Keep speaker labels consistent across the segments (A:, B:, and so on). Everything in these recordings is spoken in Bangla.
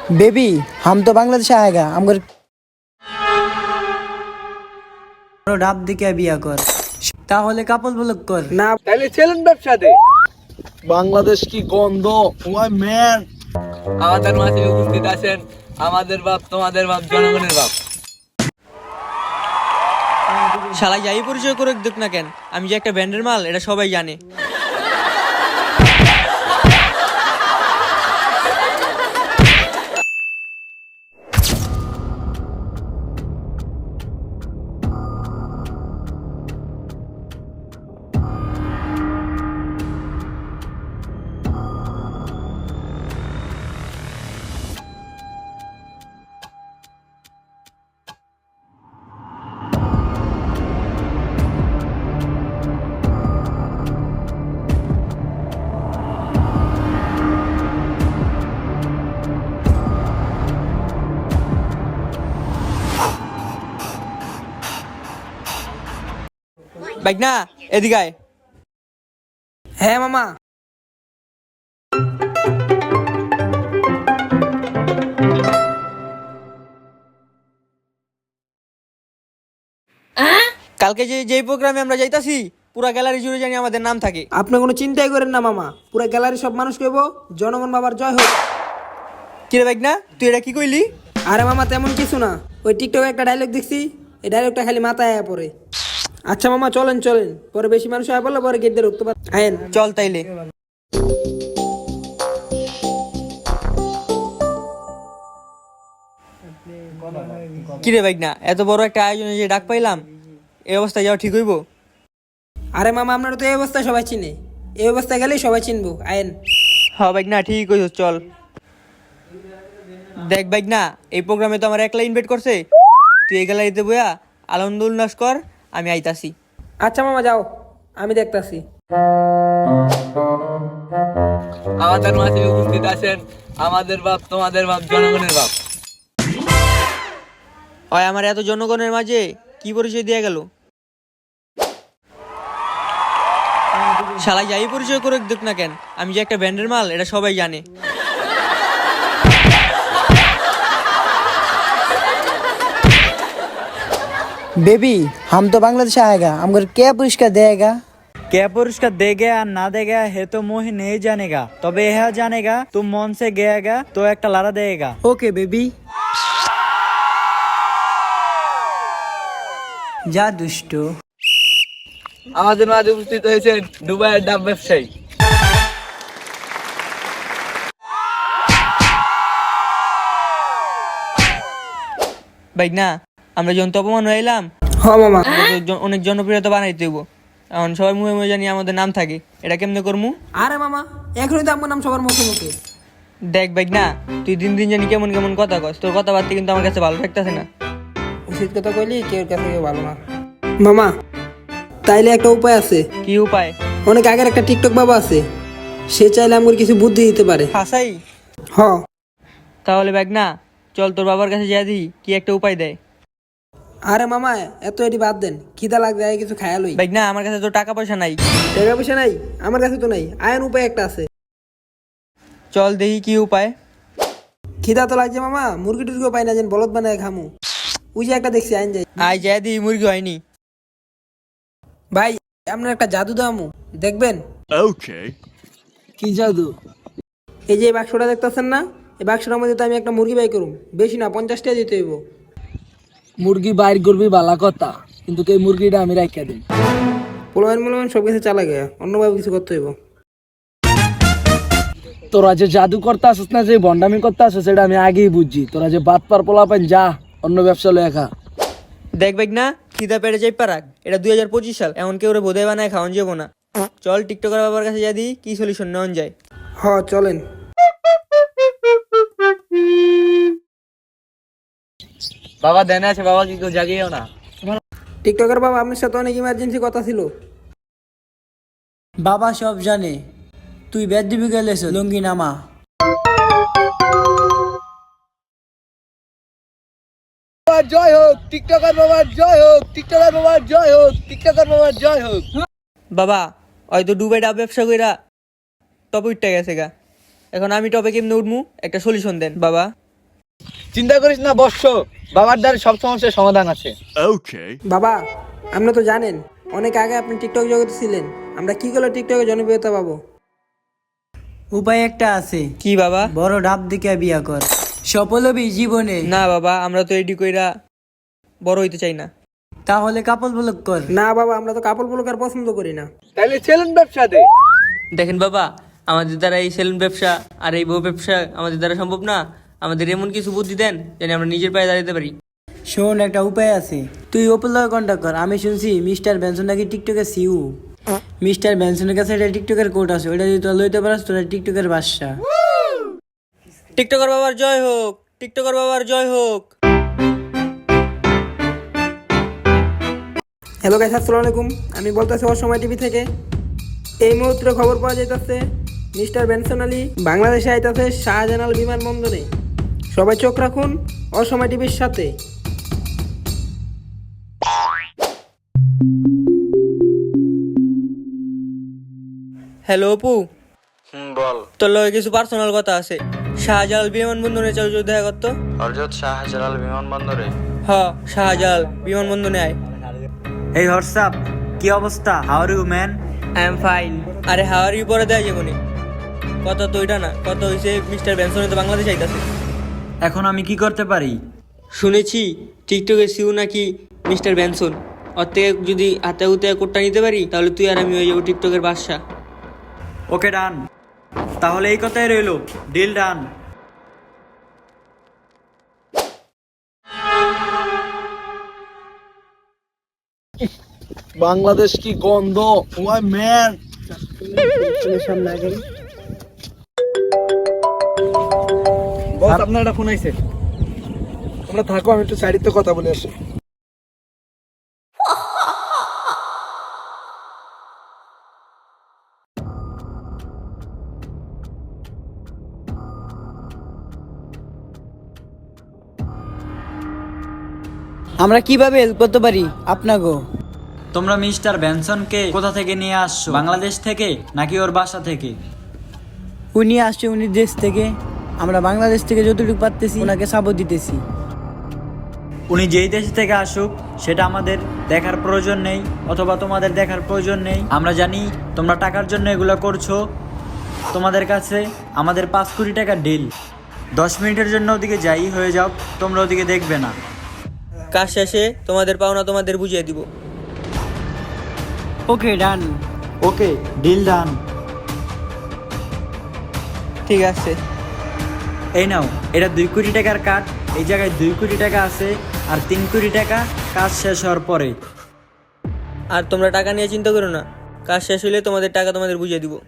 A: बेबी हम तो बांग्लादेश आएगा हमगर ডাব দিকে বিয়া কর তাহলে কাপল ব্লক কর
B: না তাহলে চ্যালেঞ্জ ব্যবসা দে।
C: বাংলাদেশ কি গন্ধ ওয়াই ম্যান।
B: আমাদের মাঝে উপস্থিত আছেন আমাদের বাপ, তোমাদের বাপ, জনগণের বাপ।
D: শালা যাই পরিচয় করে দেখ না কেন, আমি যে একটা ব্র্যান্ডের মাল এটা সবাই জানে। বাইক না এদিকে আয়।
A: হ্যাঁ মামা
D: কালকে যে প্রোগ্রামে আমরা যাইতাছি পুরা গ্যালারি জুড়ে জানি আমাদের নাম থাকে।
A: আপনি কোনো চিন্তাই করেন না মামা, পুরো গ্যালারি সব মানুষ কইব জনগণ বাবার জয় হোক।
D: কিরে বাইক না তুই এটা কি কইলি?
A: আরে মামা তেমন কিছু না, ওই টিকটকে একটা ডায়লগ দেখছি, এই ডায়লগটা খালি মাথায় আয়া পড়ে। আচ্ছা মামা চলেন চলেন, পরে বেশি মানুষ আয়া পড়লে পরে গেট দিয়ে রুখতে পারেন। আয়েন
D: চল তাইলে। কিরে বাইক না এত বড় একটা আয়োজনে যে ডাক পাইলাম, এই অবস্থায় যাওয়া ঠিক হইব?
A: আরে মামা আপনারা তো এই অবস্থায় সবাই চিনে, এই অবস্থায় গেলেই সবাই চিনবো। আয়েন
D: হ্যাঁ বাইক না ঠিক কইছ, চল। দেখ বাইক না এই প্রোগ্রামে তো আমার একলা ইনভাইট করছে, তুই এই গ্যালারিতে বইয়া আনন্দ উল্লাস কর, আমি আইতাছি।
A: আচ্ছা মামা যাও, আমি দেখতাছি।
B: আমাদের মাঝে উপস্থিত আছেন আমাদের বাপ, তোমাদের বাপ, জনগণের বাপ।
D: ওই আমার এত জনগণের মাঝে কি পরিচয় দিয়ে গেল? শালা যাই পরিচয় করে দেখ না কেন, আমি যে একটা ব্র্যান্ডের মাল এটা সবাই জানে।
A: बेबी हम तो बांग्लादेश आएगा हमगर क्या पुरस्कार देगा?
E: क्या पुरस्कार दे गया ना दे गया है तो मुंह नहीं जानेगा, तबे यह जानेगा तुम मन से गएगा तो एक लारा देगा।
A: ओके बेबी যা দুষ্ট।
B: আমাদের মাঝে উপস্থিত হয়েছেন দুবাইয়ের ডাব ব্যবসায়ী।
D: বাইক না আমরা যখন অপমান হইলাম
A: হ্যাঁ মামা
D: অনেক জনপ্রিয়তা বানাইতে হইব, এখন সবাই মুখে মুখে জানি আমাদের নাম থাকে, এটা কেমনে করমু?
A: আরে মামা এখনই তো আমার নাম সবার মুখে মুখে।
D: দেখ বাইক না তুই দিন দিন জানি কেমন কেমন কথা কস, তোর কথাবার্তা কিন্তু আমার কাছে ভালো থাকতেছে না।
A: উচিত কথা কইলি কেউ কাছে কেউ ভালো না। মামা তাইলে একটা উপায় আছে।
D: কি উপায়?
A: অনেক আগের একটা টিকটক বাবা আছে, সে চাইলে আমার কিছু বুদ্ধি দিতে পারে।
D: হাসাই?
A: হ
D: তাহলে বাইক না চল তোর বাবার কাছে যা দিই কি একটা উপায় দেয়।
A: আরে মামা এত এটি বাদ দেন, খিদা লাগবে আগে কিছু খায়া লই।
D: বাইক না আমার কাছে তো টাকা পয়সা নাই।
A: টাকা পয়সা নাই? আমার কাছে তো নাই, আয়ন উপায় একটা আছে।
D: চল দেখি কি উপায়।
A: খিদা তো লাগছে মামা, মুরগি টুরগিও পাই না যেন বলদ বানায় খামু। ওই যে একটা দেখছি আইন যাই।
D: আয় যা দিই মুরগি হয়নি।
A: ভাই আপনার একটা জাদু দামু দেখবেন?
C: কি জাদু?
A: এই যে এই বাক্সটা দেখতেছেন না, এই বাক্সটার মধ্যে তো আমি একটা মুরগি বাই করুম, বেশি না 50 টাকা দিতে হইব।
C: মুরগি বাইর করবি বালা কথা, কিন্তু এই মুরগিটা আমি রাখিয়া দিই।
A: পোলাবেন সব কিছু চালা গেয়া, অন্যভাবে কিছু করতে হইব।
C: তোরা যে জাদু করতে আসিস না, যে ভন্ডামি করতে আসিস সেটা আমি আগেই বুঝছি। তোরা যে বাদ পার পোলা পান, যা অন্য ব্যবসা লয়ে খা।
D: দেখ বাইক না খিদা পেটে যাই পারাক, এটা 2025 সাল, এমন কেউ বোধাই বানায় খাওয়ান যাবো না। চল টিকটকের বাবার কাছে যা দিই কি সলিউশন নেওয়া যায়।
A: হ চলেন।
B: বাবা দেনে আছে, বাবা কি কেউ জাগিয়েও না।
A: টিকটকের বাবা আপনার সাথে অনেক ইমার্জেন্সি কথা ছিল। বাবা সব জানে, তুই বেদ দিবি গেলেছ লুঙ্গি নামা।
B: জয় হোক টিকটকার বাবার, জয় হোক টিকটকার বাবার, জয় হোক টিকটকার বাবার, জয় হোক।
D: বাবা হয়তো দুবাই ডাব ব্যবসা কইরা টপ উঠতে গেছে গা, এখন আমি টপে কেমনে উঠমু একটা সলিউশন দেন বাবা।
B: চিন্তা করিস না বর্ষ, বাবার দ্বারা সব সমস্যার সমাধান আছে।
A: বাবা আপনি তো জানেন অনেক আগে আপনি টিকটক জগতে ছিলেন, আমরা কি করলে টিকটকে জনপ্রিয়তা পাবো?
E: উপায় একটা আছে,
D: কি বাবা?
E: বড় ডাব দিকে বিয়া কর, সফল হবি জীবনে।
D: না বাবা, আমরা তো এডি কইরা বড় হইতে চাই না।
E: তাহলে কাপল ব্লক কর।
A: না বাবা, আমরা তো কাপড় ব্লকার পছন্দ করি না।
B: তাহলে সেলুন ব্যবসা দে।
D: দেখেন বাবা, আমাদের দ্বারা এই সেলুন ব্যবসা আর এই বউ ব্যবসা আমাদের দ্বারা সম্ভব না। আমাদের এমন কিছু বুদ্ধি দেন যেন আমরা নিজের পায়ে দাঁড়াতে পারি।
E: শোন, একটা উপায় আছে, তুই ওপেন লগে কন্ট্যাক্ট কর। আমি শুনছি মিস্টার বেনসন নাকি টিকটকের সিউ। মিস্টার বেনসনের কাছে একটা টিকটকের কোড আছে, ওইটা যদি তোরা লইতে পারস তোরা টিকটকের বাদশা।
D: টিকটকার বাবার জয় হোক, টিকটকার বাবার জয় হোক।
A: হ্যালো গাইস, আসসালামু আলাইকুম। আমি বলতেছি অসময় টিভি থেকে। এই মুহূর্তে খবর পাওয়া যাইতেছে মিস্টার বেনসন আলী বাংলাদেশে আইতাছে শাহজালাল বিমানবন্দরে। সবাই চোখ রাখুন অসময় টিভির সাথে।
D: হ্যালো অপু,
F: বল।
D: তোর লগে কিছু পার্সোনাল কথা আছে। শাহজালাল বিমানবন্দরে চল, যদি দেখা করতো।
F: হরজত শাহজালাল বিমানবন্দরে?
D: হ, শাহজালাল বিমানবন্দরে আয়।
E: এই হোয়াটসঅ্যাপ, কি অবস্থা? How are you man?
D: I am fine. আরে হাওয়ার ইউ পরে দেয় যাবনি। কথা তো ওইটা না, কথা হইছে মিস্টার বেনসনে তো বাংলাদেশ আইতাছে।
E: এখন আমি কি করতে পারি?
D: শুনেছি টিকটকের সিউ নাকি মিস্টার বেনসন। ওর থেকে যদি হাতে হুতে কোটটা নিতে পারি তাহলে তুই আর আমি হয়ে যাবো টিকটকের বাদশা।
E: ওকে ডান, তাহলে এই কথাই রইলো, ডিল ডান।
C: বাংলাদেশ কি গন্ধ, ওয়াই ম্যান।
B: বস, আপনার একটা ফোন আইছে।
C: তোমরা থাকো, আমি একটু সাইডে কথা বলে আসি।
E: আমরা কিভাবে হেল্প করতে পারি আপনাকে? তোমরা মিস্টার বেনসনকে কোথা থেকে নিয়ে আসছো? বাংলাদেশ থেকে নাকি ওর বাসা থেকে? উনি আসছে উনি দেশ থেকে, আমরা বাংলাদেশ থেকে যতটুকু পারতেছি ওনাকে সাপোর্ট দিতেছি। উনি যেই দেশ থেকে আসুক সেটা আমাদের দেখার প্রয়োজন নেই, অথবা তোমাদের দেখার প্রয়োজন নেই। আমরা জানি তোমরা টাকার জন্য এগুলো করছো। তোমাদের কাছে আমাদের 5 কোটি টাকার ডিল। 10 মিনিটের জন্য ওদিকে যাই হয়ে যাও, তোমরা ওদিকে দেখবে না।
D: কাজ শেষে তোমাদের পাওনা তোমাদের বুঝিয়ে দিব।
E: Okay done, okay deal done.
D: ঠিক আছে।
E: এই নাও, এটা 2 কোটি টাকার কার্ড। এই জায়গায় 2 কোটি টাকা আছে, আর 3 কোটি টাকা কাজ শেষ হওয়ার পরে।
D: আর তোমরা টাকা নিয়ে চিন্তা করো না, কাজ শেষ হলে তোমাদের টাকা তোমাদের বুঝিয়ে দিব।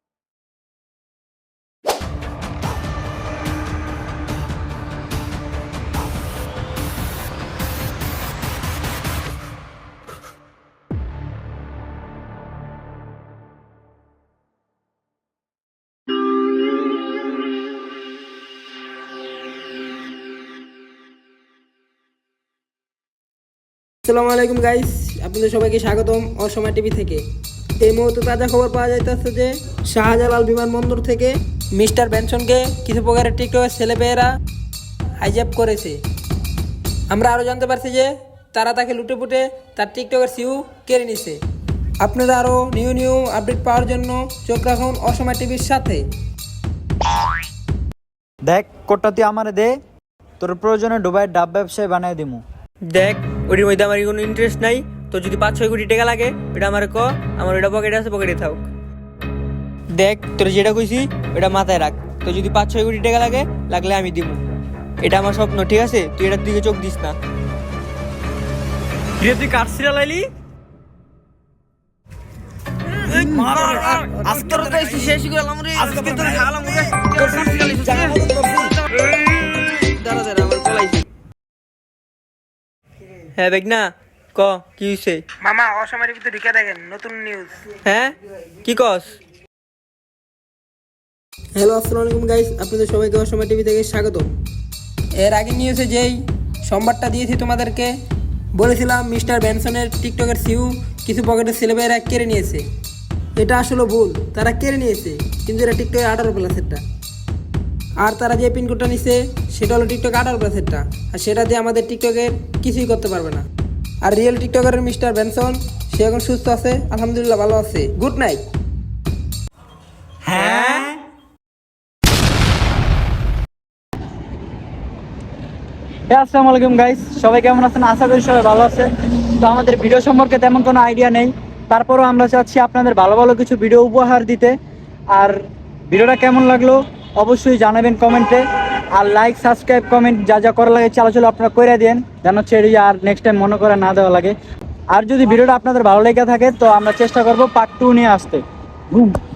A: আসসালামু আলাইকুম গাইস, আপনাদের সবাইকে স্বাগতম অসময় টিভি থেকে। এই মুহূর্তে তাজা খবর পাওয়া যাইতেছে যে শাহজালাল বিমানবন্দর থেকে মিস্টার বেনসনকে কিছু প্রকারের টিকটকের ছেলেপেয়েরা হাইজ্যাক করেছে। আমরা আরও জানতে পারছি যে তারা তাকে লুটে পুটে তার টিকটকের সিউ কেড়ে নিছে। আপনারা আরও নিউ আপডেট পাওয়ার জন্য চোখ রাখুন অসময় টিভির সাথে।
E: দেখ, কোটটা তুই আমারে দে, তোর প্রয়োজনে দুবাইয়ের ডাব ব্যবসায় বানাই দিমু।
D: দেখ, ওটির মধ্যে আমার কোনো ইন্টারেস্ট নাই। তো যদি 5-6 কোটি টাকা লাগে ওটা আমার ক, আমার ওটা পকেটে আছে, পকেটে থাক। দেখ, তোর যেটা কইছি ওটা মাথায় রাখ। তো যদি 5-6 কোটি টাকা লাগে, লাগলে আমি দিব। এটা আমার স্বপ্ন, ঠিক আছে? তুই এটার দিকে চোখ দিস না। তুই কাটছিরা লাইলি হ্যাঁ বেগনা, ক কি হইছে?
A: মামা অসময় টিভিতে ঢুকে দেখেন নতুন নিউজ।
D: হ্যাঁ, কি কস?
A: হ্যালো আসসালামু আলাইকুম গাইস, আপনাদের সবাইকে অসময় টিভি থেকে স্বাগতম। এর আগে নিউজে যেই সংবাদটা দিয়েছি তোমাদেরকে, বলেছিলাম মিস্টার বেনসনের টিকটকের সিউ কিছু পকেটের ছেলেমেয়েরা কেড়ে নিয়েছে। এটা আসলে ভুল, তারা কেড়ে নিয়েছে, কিন্তু এটা টিকটকের 18+। আর তারা যে পিনকোডটা নিছে সেটা হলো টিকটক 18+টা, আর সেটা দিয়ে আমাদের টিকটকের কিছুই করতে পারবে না। আর রিয়েল টিকটকারের মিস্টার বেনসন সে এখন সুস্থ আছে, আলহামদুলিল্লাহ ভালো আছে। Good night.
E: আসসালামু আলাইকুম গাইস, সবাই কেমন আছেন? আশা করি সবাই ভালো আছে। তো আমাদের ভিডিও সম্পর্কে তেমন কোনো আইডিয়া নেই, তারপরও আমরা চাচ্ছি আপনাদের ভালো ভালো কিছু ভিডিও উপহার দিতে। আর ভিডিওটা কেমন লাগলো অবশ্যই জানাবেন কমেন্টে, আর লাইক সাবস্ক্রাইব কমেন্ট যা যা করা লাগে চালো আপনারা করে দেন, যেন ছেড়ে আর নেক্সট টাইম মনে করে না দেওয়া লাগে। আর যদি ভিডিওটা আপনাদের ভালো লেগে থাকে তো আমরা চেষ্টা করব পার্ট 2 নিয়ে আসতে।